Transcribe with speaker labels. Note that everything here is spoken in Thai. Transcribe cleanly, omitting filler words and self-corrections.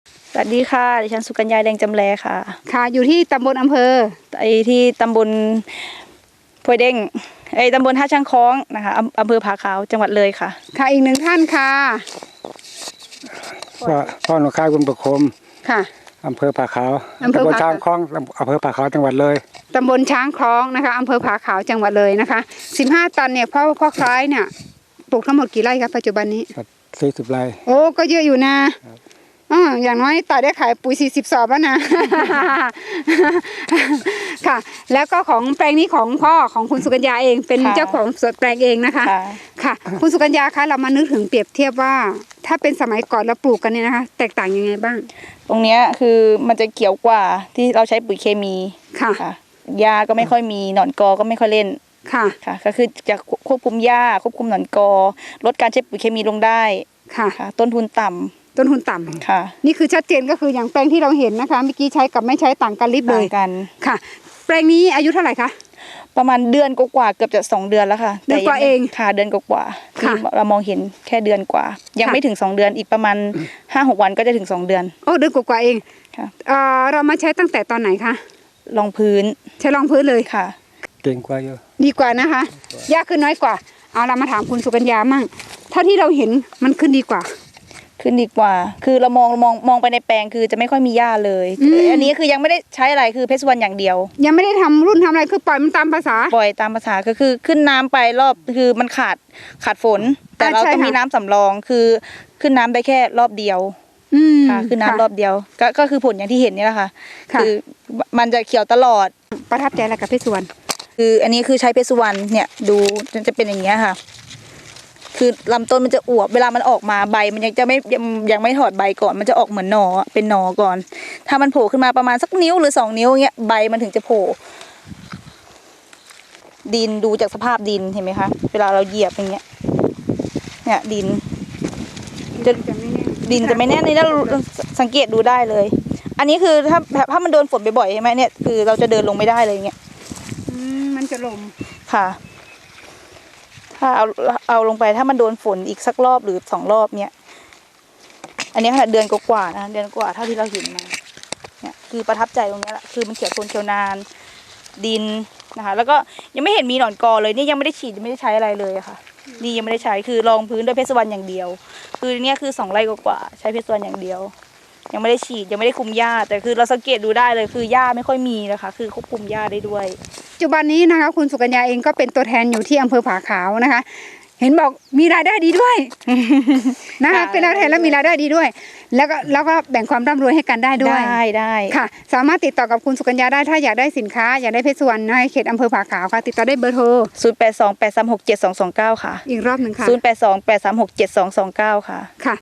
Speaker 1: สวัสดีค่ะดิฉันสุกัญญาแดงจำแลค่ะ
Speaker 2: ค่ะอยู่ที่ตำบลอำเภอ
Speaker 1: ที่ตำบลพวยเด้งตำบลท่าช้างคล้องนะคะอำเภอผาขาวจังหวัดเลยค่ะ
Speaker 2: ค่ะอีกหนึ่งท่านค่ะ
Speaker 3: พ่อหนูค่ายบุญประคม
Speaker 2: ค่ะ
Speaker 3: อำเภอผาขาว
Speaker 2: อำเภอ
Speaker 3: ตำบล
Speaker 2: ผา
Speaker 3: ช้างคล้องอำเภอผาขาวจังหวัดเลย
Speaker 2: ตำบลช้างคล้องนะคะอำเภอผาขาวจังหวัดเลยนะคะ15 ตันเนี่ยพ่อคล้ายเนี่ยปลูกทั้งหมดกี่ไร่ครับปัจจุบันนี้
Speaker 3: 40 ไร่
Speaker 2: โอ้ก็เยอะอยู่นะอย่างน้อยต่อได้ขายปุ๋ย40 สอบแล้วนะ ค่ะ แล้วก็ของแปลงนี้ของพ่อของคุณสุกัญญาเองเป็นเจ้าของสวนแปลงเองนะคะค่ะคุณสุกัญญาคะเรามานึกถึงเปรียบเทียบว่าถ้าเป็นสมัยก่อนเราปลูกกันเนี่ยนะคะแตกต่างยังไงบ้าง
Speaker 1: ตรงเนี้ยคือมันจะเขียวกว่าที่เราใช้ปุ๋ยเคมี
Speaker 2: ค่ะ
Speaker 1: หญ้าก็ไม่ค่อยมีหนอนกอก็ไม่ค่อยเล่น
Speaker 2: ค่ะ
Speaker 1: ก็คือจะควบคุมหญ้าควบคุมหนอนกอลดการใช้ปุ๋ยเคมีลงได้
Speaker 2: ค่ะ
Speaker 1: ต้นทุนต่ำค่ะ
Speaker 2: นี่คือชัดเจนก็คืออย่างแปลงที่เราเห็นนะคะเมื่อกี้ใช้กับไม่ใช้ต่างกันลิบเลย
Speaker 1: กัน
Speaker 2: ค่ะแปลงนี้อายุเท่าไหร่คะ
Speaker 1: ประมาณเดือนกว่าเกือบจะ2 เดือนแล้วค่ะ
Speaker 2: เดือนกว่าเอง
Speaker 1: ค่ะเดือนกว่าที่เรามองเห็นแค่เดือนกว่ายังไม่ถึง2 เดือนอีกประมาณ 5-6 วันก็จะถึง2 เดือน
Speaker 2: โอ้เดือนกว่าเอง
Speaker 1: ค่ะ
Speaker 2: เรามาใช้ตั้งแต่ตอนไหนคะ
Speaker 1: รองพื้น
Speaker 2: ใช้รองพื้นเลย
Speaker 1: ค่ะ
Speaker 3: เก่งกว่าเยอะ
Speaker 2: ดีกว่านะคะยากขึ้นน้อยกว่าเอาเรามาถามคุณสุกัญญามั่งเท่าที่เราเห็นมันขึ้นดีกว่า
Speaker 1: คือเรามองไปในแปลงคือจะไม่ค่อยมีหญ้าเลยอันนี้คือยังไม่ได้ใช้อะไรคือเพชรสุวรรณอย่างเดียว
Speaker 2: ยังไม่ได้ทำรุ่นทำอะไรคือปล่อยมันตามภาษา
Speaker 1: ก็คือขึ้นน้ำไปรอบคือมันขาดฝนแต่เราต้องมีน้ำสำรองคือขึ้นน้ำได้แค่รอบเดียวค่ะขึ้นน้ำรอบเดียวก็คือผลอย่างที่เห็นนี่แหละค่ะคือมันจะเขียวตลอด
Speaker 2: ประทับใจอะไรกับเพชรสุวรรณ
Speaker 1: คืออันนี้คือใช้เพชรสุวรรณเนี่ยดูจะเป็นอย่างเงี้ยค่ะคือลำต้นมันจะอวบเวลามันออกมาใบมันยังไม่ถอดใบก่อนมันจะออกเหมือนหน่อเป็นหน่อก่อนถ้ามันโผล่ขึ้นมาประมาณสักนิ้วหรือ2 นิ้วเงี้ยใบมันถึงจะโผล่ดินดูจากสภาพดินเห็นไหมคะเวลาเราเหยียบอย่างเงี้ยเนี่ยดินจะไม่แน่นนี่นะสังเกตดูได้เลยอันนี้คือถ้ามันโดนฝนบ่อยๆใช่ไหมเนี่ยคือเราจะเดินลงไม่ได้เลยเงี้ย
Speaker 2: มันจะลม
Speaker 1: ค่ะถ้าเอาลงไปถ้ามันโดนฝนอีกสักรอบหรือ2 รอบเนี่ยอันนี้ค่ะเดือนกว่านะเดือนกว่าเท่าที่เราเห็นมาเนี่ยคือประทับใจตรงนี้แหละคือมันเขียวทนเขียวนานดินนะคะแล้วก็ยังไม่เห็นมีหนอนกอเลยนี่ยังไม่ได้ฉีดยังไม่ได้ใช้อะไรเลยอะค่ะนี่ยังไม่ได้ใช้คือรองพื้นด้วยเพชรสุวรรณอย่างเดียวคือเนี่ยคือ2 ไร่กว่าใช้เพชรสุวรรณอย่างเดียวยังไม่ได้ฉีดยังไม่ได้คุมหญ้าแต่คือเราสังเกตดูได้เลยคือหญ้าไม่ค่อยมีนะคะคือควบคุมหญ้าได้ด้วย
Speaker 2: ปัจจุบันนี้นะคะคุณสุกัญญาเองก็เป็นตัวแทนอยู่ที่อำเภอผาขาวนะคะเห็นบอกมีรายได้ดีด้วยนะคะเป็นตัวแทนแล้วมีรายได้ดีด้วยแล้วก็แบ่งความร่ำรวยให้กันได้ด้วย
Speaker 1: ได้
Speaker 2: ค่ะสามารถติดต่อกับคุณสุกัญญาได้ถ้าอยากได้สินค้าอยากได้เพชรสุวรรณในเขตอำเภอผาขาวค่ะติดต่อได้เบอร์โทร
Speaker 1: 0828367229ค่ะ
Speaker 2: อีกรอบหนึ่งค่ะ
Speaker 1: 0828367229ค่ะ
Speaker 2: ค่ะ